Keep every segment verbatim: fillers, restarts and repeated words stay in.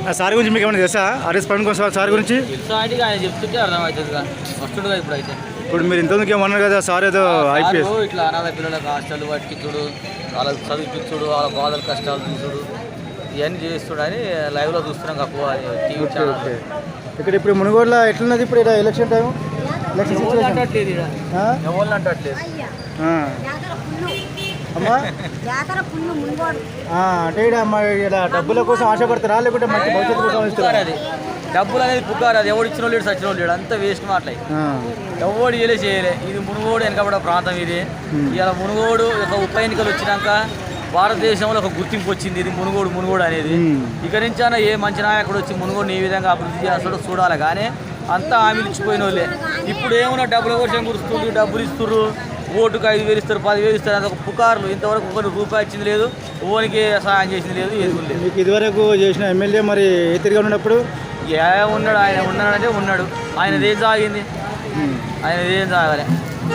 Sir గురించి మీకు ఏమైనా తెలుసా? ఆర్ఎస్ ప్రవీణ్ కుమార్ సార్ గురించి తెలుసా అంటే ఆయన చెప్తుంటే అర్థమవుతుందిగా వస్తుండగా ఇప్పుడు అయితే. ఇప్పుడు మీరు ఇంతమందికి ఏమన్నారు కదా సార్ ఏదో ఐపీఎస్ ఇట్లా అనాథ పిల్లలకు హాస్టల్ పట్టించుడు, వాళ్ళకి చదివించుడు, వాళ్ళ బాధల కష్టాలు చూసుడు ఇవన్నీ చేస్తుడని లైవ్లో చూస్తున్నాం తక్కువ టీవీ ఛానల్. ఇక్కడ ఇప్పుడు మునుగోడులో ఎట్లున్నది ఇప్పుడు ఇక్కడ ఎలక్షన్ టైం? ఎలక్షన్ సిచ్యువేషన్ అంటట్లేదు ఎవరు అంటట్లేదు అమ్మా. అంటే ఇక్కడ ఇలా డబ్బుల కోసం ఆశపడతారా లేకుంటే మంచి భవిష్యత్తు కోసం ఇస్తారా? అది డబ్బులు అనేది పుకారు, అది ఎవడు ఇచ్చిన లేడు సచిన లేడు, అంతా వేస్ట్ మాట్లాడి ఎవడు చేయలే చేయలే. ఇది మునుగోడు వెనకబడ ప్రాంతం. ఇది ఇలా మునుగోడు ఒక ఉప ఎన్నికలు వచ్చినాక భారతదేశంలో ఒక గుర్తింపు వచ్చింది ఇది మునుగోడు మునుగోడు అనేది. ఇక నుంచి అయినా ఏ మంచి నాయకుడు వచ్చి మునుగోడుని ఏ విధంగా అభివృద్ధి చేస్తాడో చూడాలి. కానీ అంతా హామీలు ఇచ్చిపోయిన వాళ్ళే. ఇప్పుడు ఏమన్నా డబ్బుల కోసం కురుస్తుంది, డబ్బులు ఇస్తున్నారు, ఓటుకు ఐదు వేలు ఇస్తారు, పదివేలు ఇస్తారు, అది ఒక పుకార్లు. ఇంతవరకు ఒకరికి రూపాయి ఇచ్చింది లేదు, ఓనికి సహాయం చేసింది లేదు, ఏది లేదు. మీకు ఇదివరకు చేసిన ఎమ్మెల్యే మరి ఏ తిరిగి ఉన్నప్పుడు ఏ ఉన్నాడు? ఆయన ఉన్నాడంటే ఉన్నాడు, ఆయనది ఏం సాగింది, ఆయనది ఏం సాగాలి.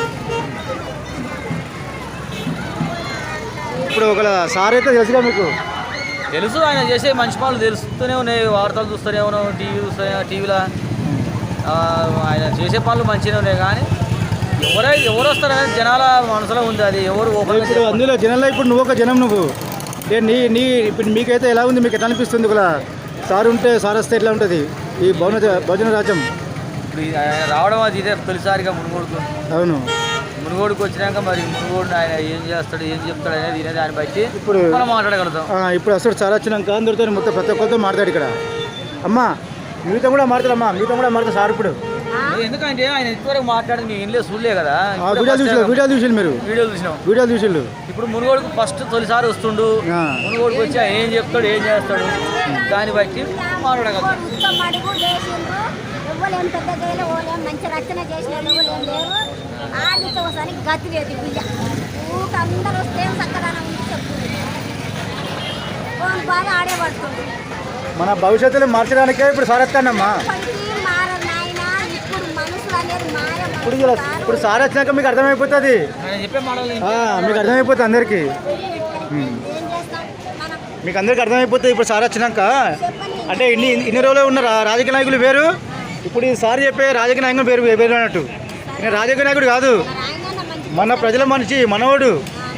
ఇప్పుడు ఒక సార్ అయితే తెలుసుగా మీకు? తెలుసు, ఆయన చేసే మంచి పనులు తెలుస్తూనే ఉన్నాయి, వార్తలు చూస్తూనే ఉన్నాం, టీవీ చూస్తూనే టీవీలో ఆయన చేసే పనులు మంచిగానే ఉన్నాయి. కానీ ఎవరై ఎవరు వస్తారనేది జనాల మనసులో ఉంది, అది ఎవరు ఇప్పుడు అందులో జనంలో ఇప్పుడు నువ్వు ఒక జనం, నువ్వు నీ నీ ఇప్పుడు మీకైతే ఎలా ఉంది, మీకు ఎట్లా అనిపిస్తుంది? ఒక సార్ ఉంటే సార్ వస్తే ఎట్లా ఉంటుంది ఈ భవన భోజన రాజ్యం? ఇప్పుడు ఆయన రావడం అది ఇదే తొలిసారిగా మునుగోడుకు. అవును, మునుగోడుకు వచ్చినాక మరి మునుగోడు ఆయన ఏం చేస్తాడు ఏం చెప్తాడు అనేది తినేది ఆయన బట్టి ఇప్పుడు మనం మాట్లాడగలుగుతాం. ఇప్పుడు అసలు సార్ వచ్చినాక అందరితో మొత్తం ప్రతి ఒక్కరితో మాట్లాడు ఇక్కడ. అమ్మా మీతో కూడా మాట్లాడమ్మా, మీతో కూడా మాట్లాడు సార్ ఇప్పుడు. ఎందుకంటే ఆయన ఇంతవరకు మాట్లాడేది మేము ఏం లేదు, చూడలే కదా. వీడియో చూసి వీడియో చూసి మీరు వీడియో చూసినాం వీడియో చూసిండు. ఇప్పుడు మునుగోడుకు ఫస్ట్ తొలిసారి వస్తుండు, మునుగోడుకు వచ్చి ఏం చెప్తాడు ఏం చేస్తాడు దాన్ని బట్టి మాట్లాడగలుగుతాం. మన భవిష్యత్తులో మార్చడానికే ఇప్పుడు సార్ వస్తానమ్మా. ఇప్పుడు ఇప్పుడు సార్ వచ్చినాక మీకు అర్థమైపోతుంది, మీకు అర్థమైపోతుంది అందరికీ, మీకు అందరికీ అర్థమైపోతుంది ఇప్పుడు సార్ వచ్చినాక. అంటే ఇన్ని ఇన్ని రోజులు ఉన్న రాజకీయ నాయకులు వేరు, ఇప్పుడు ఈ సార్ చెప్పే రాజకీయ నాయకులు వేరు వేరు అన్నట్టు. నేను రాజకీయ నాయకుడు కాదు, మన ప్రజల మనిషి మనవాడు.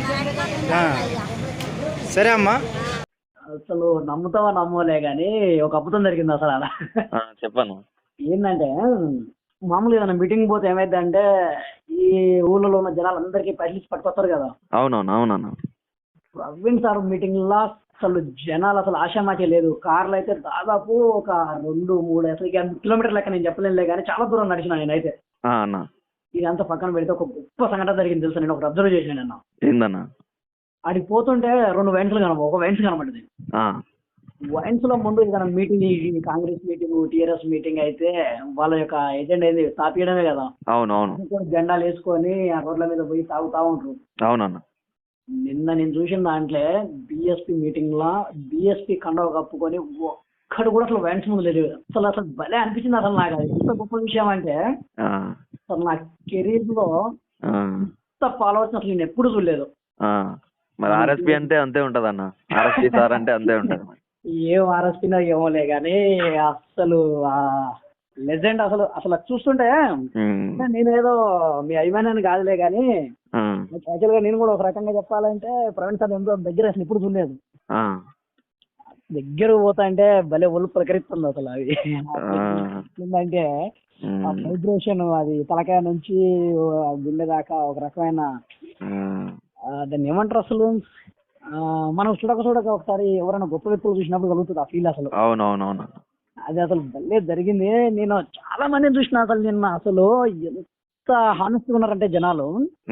సరే అమ్మా. అసలు నమ్ముతావా నమ్మలే కానీ ఒక అద్భుతం జరిగింది అసలు అలా. చెప్పాను ఏంటంటే మామూలుగా ఏదైనా మీటింగ్ పోతే ఏమైంది అంటే ఈ ఊళ్ళలో ఉన్న జనాలు అందరికీ పైసలు పట్టుకొస్తారు కదా. అవునవును అవునవును ప్రవీణ్ సార్ మీటింగ్ లా అసలు జనాలు అసలు ఆశామాచే లేదు. కార్లు అయితే దాదాపు ఒక రెండు మూడు అసలు కిలోమీటర్ లెక్క నేను చెప్పలేనులే కానీ చాలా దూరం నడిచిన నేనైతే. ఇదంతా పక్కన పెడితే ఒక గొప్ప సంఘటన జరిగింది తెలుసా, నేను ఒకటి అబ్జర్వ్ చేసిన నిన్న. ఏందన్నా? అడిగి పోతుంటే రెండు వైన్స్లు కనబ ఒక వైన్స్ కనబడ్డది. వైన్స్ లో ముందు ఏదైనా meeting, Congress meeting, TRS meeting అయితే వాళ్ళ యొక్క ఎజెండా ఏంది తాపియడమే కదా. అవునవును, జెండాలు వేసుకొని ఆ రోడ్ల మీద పోయి తాగుతా ఉంటారు. అవునన్న. నిన్న నేను చూసిన దాంట్లో బిఎస్పీ మీటింగ్ లా బిఎస్పీ కండవ కప్పుకొని ఒక్కడు కూడా అసలు వైన్స్ ముందు లేదు. అసలు అసలు భలే అనిపించింది అసలు నాకు. అది ఎంత గొప్ప విషయం అంటే అసలు నా కెరీర్ లో ఇంత ఫాలోవర్స్ అసలు నేను ఎప్పుడు చూడలేదు. మరి ఆర్ఎస్పీ అంటే అంతే ఉంటది అన్న, ఆర్ఎస్పీ సార్ అంటే అంతే ఉంటది. ఏం ఆర్ఎస్పీనా ఏమోలే కానీ అసలు లెజెండ్ అసలు. అసలు చూస్తుంటే నేనేదో మీ అభిమానాన్ని కాదులే కానీ యాక్చువల్ గా నేను కూడా ఒక రకంగా చెప్పాలంటే ప్రవీణ్ సార్ ఎంతో దగ్గర అసలు ఇప్పుడు చూడలేదు. దగ్గర పోతా అంటే భలే ఒళ్ళు ప్రకరిస్తుంది అసలు. అవి ఏంటంటే ఆ వైబ్రేషన్, అది తలకాయ నుంచి గుండె దాకా ఒక రకమైన దాన్ని ఏమంటారు అసలు, మనం చూడక చూడక ఒకసారి ఎవరైనా గొప్ప వ్యక్తులు చూసినప్పుడు కలుగుతుంది ఆ ఫీల్ అసలు. అవునవునవును, అది అసలు భలే జరిగింది. నేను చాలా మందిని చూసిన అసలు నిన్న. అసలు ఎంత హానెస్ట్గా ఉన్నారంటే జనాలు,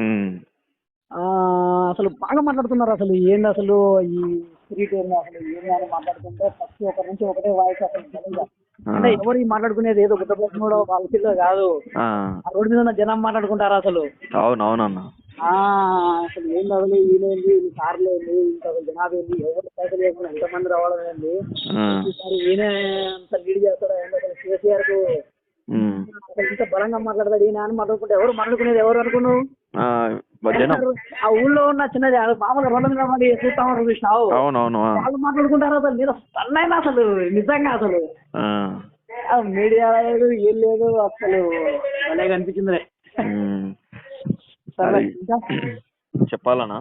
అసలు బాగా మాట్లాడుతున్నారు. అసలు ఏంది అసలు ఈ స్పిరిట్ ఏంది అసలు ఏంది అని మాట్లాడుతుంటే ప్రతి ఒక్కరి నుంచి ఒకటే వాయిస్ అసలు. అంటే ఎవరు మాట్లాడుకునేది ఏదో గుడ్డ ప్రశ్న కూడా వాళ్ళ పిల్లలు కాదు, ఆ రోడ్డు మీద ఉన్న జనం మాట్లాడుకుంటారు అసలు. అవునవునన్నా. అసలు ఏంది అసలు ఈయనేంది, ఈ కార్లు ఏంది, ఇంత జనాభా ఏంది, ఎవరు పైసలు లేకుండా ఎంతమంది రావడం ఏంది, ఈసారి ఈయన అంత లీడ్ చేస్తాడు ఏంటి అసలు కేసీఆర్ కు అసలు ఇంత బలంగా మాట్లాడతాడు ఈయన అని మాట్లాడుకుంటే ఎవరు మాట్లాడుకునేది ఎవరు అనుకున్నావు? జనం ఆ ఊళ్ళో ఉన్న చిన్నది అది మామూలుగా రోడ్ల మీద పడి చూస్తా ఉంటారు చూసినావు. అవునవును ఆ. వాళ్ళు మాట్లాడుకుంటారు అసలు నేను అన్నైనా అసలు నిజంగా అసలు ఆ. ఆ మీడియా లేదు ఏం లేదు అసలు భలే కనిపించింది. ఉమ్. సరే అది ఇంకా చెప్పాలనా?